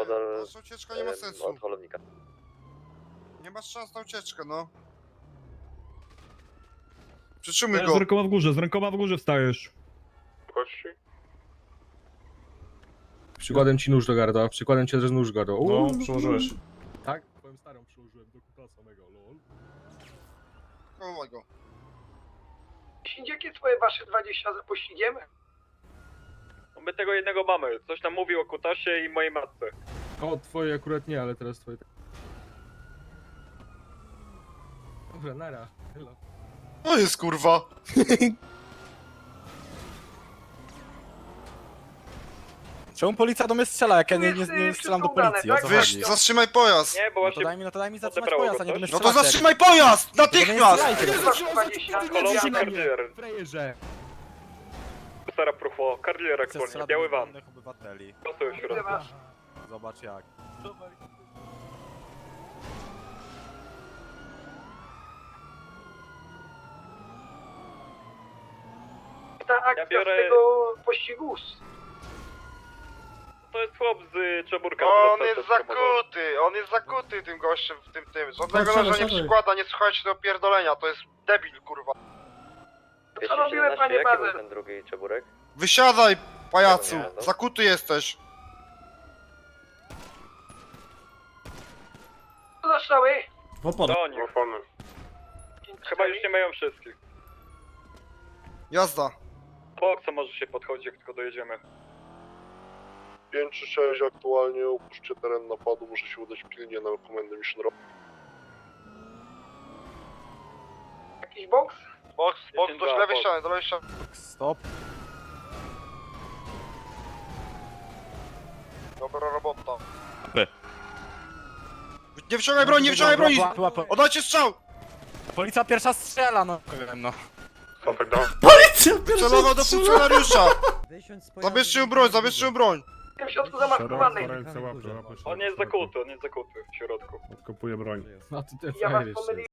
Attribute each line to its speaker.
Speaker 1: Niepodal
Speaker 2: Nasza ucieczka nie ma sensu.
Speaker 1: od holownika.
Speaker 2: Nie masz szans na ucieczkę, no. Przytrzymuj go.
Speaker 3: Z rękoma w górze wstajesz.
Speaker 4: Przykładem ci nóż do gardła, przykładem ci też nóż do gardła.
Speaker 5: No, przyłożyłeś.
Speaker 4: Tak? Twoją starą przyłożyłem do kuta samego, lol.
Speaker 2: Chowaj go.
Speaker 6: Jakie twoje wasze 20 za pościgiem?
Speaker 7: My tego jednego mamy. Coś nam mówił o Kutasie i mojej matce.
Speaker 4: O, twoje akurat nie, ale teraz twoje... Dobra, nara. Hello.
Speaker 2: To jest kurwa.
Speaker 5: Czemu policja do mnie strzela, jak ja nie strzelam do policji? O co
Speaker 2: Wyż,
Speaker 5: chodzi?
Speaker 2: zatrzymaj pojazd.
Speaker 7: Nie, bo
Speaker 5: No
Speaker 7: właśnie
Speaker 5: to daj mi zatrzymać
Speaker 7: odebrało
Speaker 5: pojazd,
Speaker 7: go
Speaker 5: a nie do mnie
Speaker 2: No to
Speaker 5: strzelacie.
Speaker 2: zatrzymaj pojazd! Natychmiast!
Speaker 7: kolonii Cardier.
Speaker 4: Frajerze!
Speaker 7: Stara Prufo, Cardier
Speaker 5: Chcę
Speaker 7: aktualnie,
Speaker 5: strzelać
Speaker 7: biały
Speaker 5: do
Speaker 7: van.
Speaker 5: innych obywateli.
Speaker 7: Prosto w środku.
Speaker 5: Zobacz jak.
Speaker 6: Ta akcja
Speaker 7: biorę-
Speaker 6: z tego pościgu.
Speaker 7: To jest chłop z Czeburka.
Speaker 2: On jest zakuty tym gościem w tym. Żadnego noża nie przykłada, nie słuchajcie do pierdolenia, to jest debil, kurwa.
Speaker 6: Co robiły, panie
Speaker 1: Jaki był
Speaker 6: Bazer?
Speaker 1: ten drugi Czeburek?
Speaker 2: Wysiadaj, pajacu!
Speaker 1: Nie, no.
Speaker 2: Zakuty jesteś.
Speaker 6: Co za strzały?
Speaker 7: Do nich. Chyba już nie mają wszystkich.
Speaker 2: Jazda.
Speaker 7: Boksa może się podchodzi, jak tylko dojedziemy.
Speaker 8: 5 czy 6 aktualnie, opuśćcie teren napadu, muszę się udać pilnie na komendę Mission Rock.
Speaker 6: Jakiś boks?
Speaker 2: Boks,
Speaker 7: do lewej ściany,
Speaker 2: do lewej ściany.
Speaker 5: Stop.
Speaker 2: Dobra robota.
Speaker 5: By.
Speaker 2: Nie wyciągaj broni, nie wyciągaj broni!
Speaker 5: Łapy.
Speaker 2: Oddajcie strzał!
Speaker 5: Policja pierwsza strzela, no. No.
Speaker 2: Celował do funkcjonariusza! Zabierzcie mu broń, zabierzcie mu broń!
Speaker 6: W tym środku zamaskowany.
Speaker 7: On jest zakuty w środku.
Speaker 3: Odkopuję broń.
Speaker 4: No to te
Speaker 6: Ja was
Speaker 4: frajer jeszcze.
Speaker 6: pomyliłem.